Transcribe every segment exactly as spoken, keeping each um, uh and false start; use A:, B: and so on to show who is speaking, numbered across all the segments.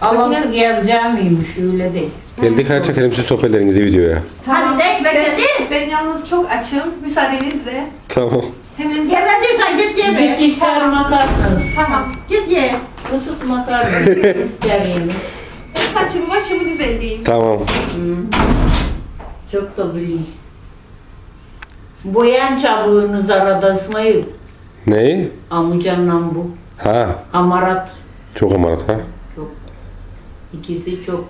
A: Alası geleceğim miymiş öyle değil.
B: Geldik ha çekelim siz sohbetlerinizi videoya.
C: Hadi de ekmek
D: Ben,
C: yedi.
D: ben yalnız çok açım. Müsaadenizle.
B: Tamam.
D: Hemen
C: Yemediysen git ye be.
A: Bir ister makarna.
D: tamam.
C: Git ye.
A: Isıt makarna. İster yemek.
D: Ben saçımı başımı düzenleyeyim.
B: Tamam.
A: Hmm. Çok da biliyiz. Boyan çabuğunuz arada İsmail.
B: Neyi?
A: Amcanla bu.
B: Ha.
A: Amarat.
B: Çok amarat ha.
A: Çok. İkisi çok.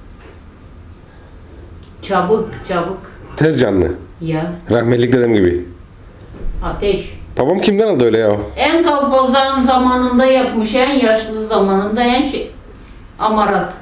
A: Çabuk çabuk.
B: Tez canlı.
A: Ya.
B: Rahmetlik dedem gibi.
A: Ateş.
B: Babam kimden aldı öyle ya?
A: En kalpozan zamanında yapmış, en yaşlı zamanında en şey. Amarat.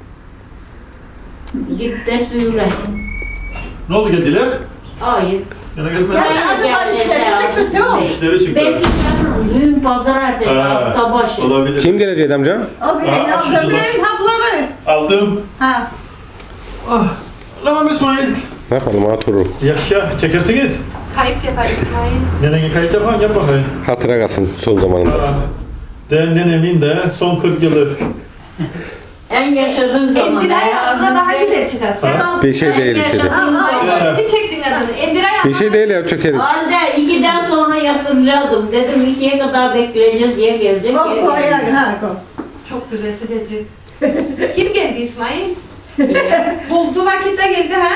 A: Git de söyle.
E: Ne oldu geldiler?
A: Hayır.
E: Yana gelmedi.
C: Ya hadi var işleri çıktı çok.
E: İşleri çıktı.
A: Belki canım düğün pazar ertesi
E: Ha,
A: hafta başı.
E: olabilir.
B: Kim geleceği amca?
C: O benim
E: Aa,
C: ablam
E: aşıcılar.
C: benim hapları.
E: Aldım.
C: Ha.
E: Ah. Lan İsmail.
B: Ne yapalım oturur.
E: Yaşa çekersiniz.
D: Kayıt yapar İsmail.
E: Nenene kayıt yapan yap bakayım.
B: Hatıra kalsın son zamanında.
E: Aa, de nenemin de son kırk yılı.
A: En yaşadığın zaman.
D: Endiray abla daha güzel çıkarsın.
E: Ha?
B: Bir şey değil bir şey değil.
D: Ay, bir çektin adını. Endiray abla.
B: Bir şey değil ya çekelim.
F: Anne ikiden sonra yatıracaktım. Dedim ikiye kadar bekleyeceğiz diye gelecek.
C: Koy
F: diye
C: koy
F: gelecek.
C: ha koy.
D: Çok güzel sıcacık. Kim geldi İsmail? Buldu vakitte geldi ha?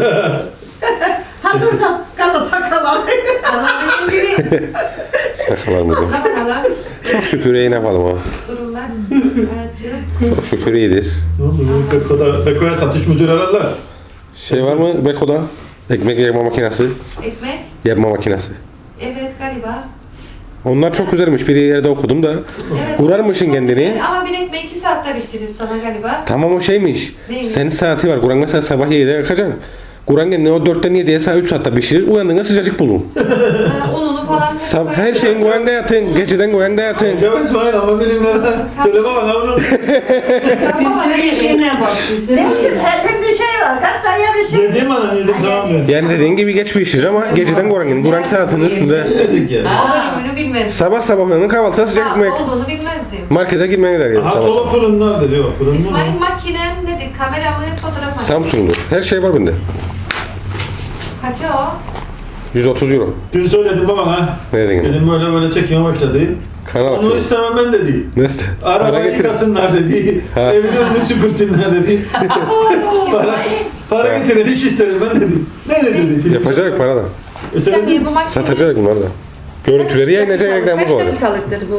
C: Ha dur da kala sakala.
D: Anladığım gibi.
B: Sakalarımızı.
D: Allah Allah.
B: Çok şükür iyi ne yapalım ha.
D: Durumlar. Acı.
B: Çok şükür iyidir.
E: Ne oldu? Beko'da, Beko'ya satış müdürü aradılar.
B: Şey var mı Beko'da? Ekmek yapma makinesi.
D: Ekmek.
B: Yapma makinesi.
D: Evet galiba.
B: Onlar çok güzelmiş. Bir yerde okudum da.
D: Evet.
B: Kurarmışsın
D: Çok
B: kendini.
D: güzel. Ama bir ekmeği iki saatte pişirir sana galiba.
B: Tamam o şeymiş.
D: Neymiş?
B: Senin saati var. Kur'an mesela sabah yedide yakacaksın. Kur'an kendini o dörtten yediye saat üç saatte pişirir. Uyandığında sıcacık bulun.
D: Ha, ununu falan.
B: Sab her şeyin Kur'an'da yatın. Geceden Kur'an'da yatın.
E: Ya İsmail ama bilimlere söyleme bana onu.
F: Bir sürü işine bak. Bir sürü
C: Demin
F: işine.
C: elim bir şey var. Hatta ya bir şey.
E: Yedim anam yedim tamam mı?
B: Yani dediğin gibi geç pişirir ama geceden Kur'an kendini. Kur'an saatinin üstünde.
E: Yedik ya.
D: O bölümünü bilmezdim.
B: Sabah sabah uyanın kahvaltıda sıcak
D: Ha,
B: ekmek.
D: olduğunu bilmezdim.
B: Markete girmeye gider gibi.
E: Ha
B: sabah
E: soba
B: sabah.
E: fırınlar diyor. Fırın mı?
D: İsmail makinen nedir? Kamera mı? Fotoğraf mı?
B: Samsung'dur. Her şey var bende.
D: Kaça o?
B: yüz otuz euro.
E: Dün söyledim babana.
B: Ne dedin?
E: Dedim böyle böyle çekime başladı.
B: Kanal
E: Onu
B: açıyor.
E: istemem ben dedi.
B: Neyse.
E: Araba
B: Para getir.
E: yıkasınlar dedi.
B: Ha.
E: Evin önünü süpürsünler dedi. para,
D: İsmail.
E: para getirin hiç isterim ben dedi. Ne dedi? Film
B: Yapacak paradan.
E: E
D: Sen
E: söyledim.
D: niye bu makine?
B: Satacak bunlar da. Görüntüleri yayınlayacak reklamı
D: Kaç
B: koyacak.
D: dakikalıktır bu?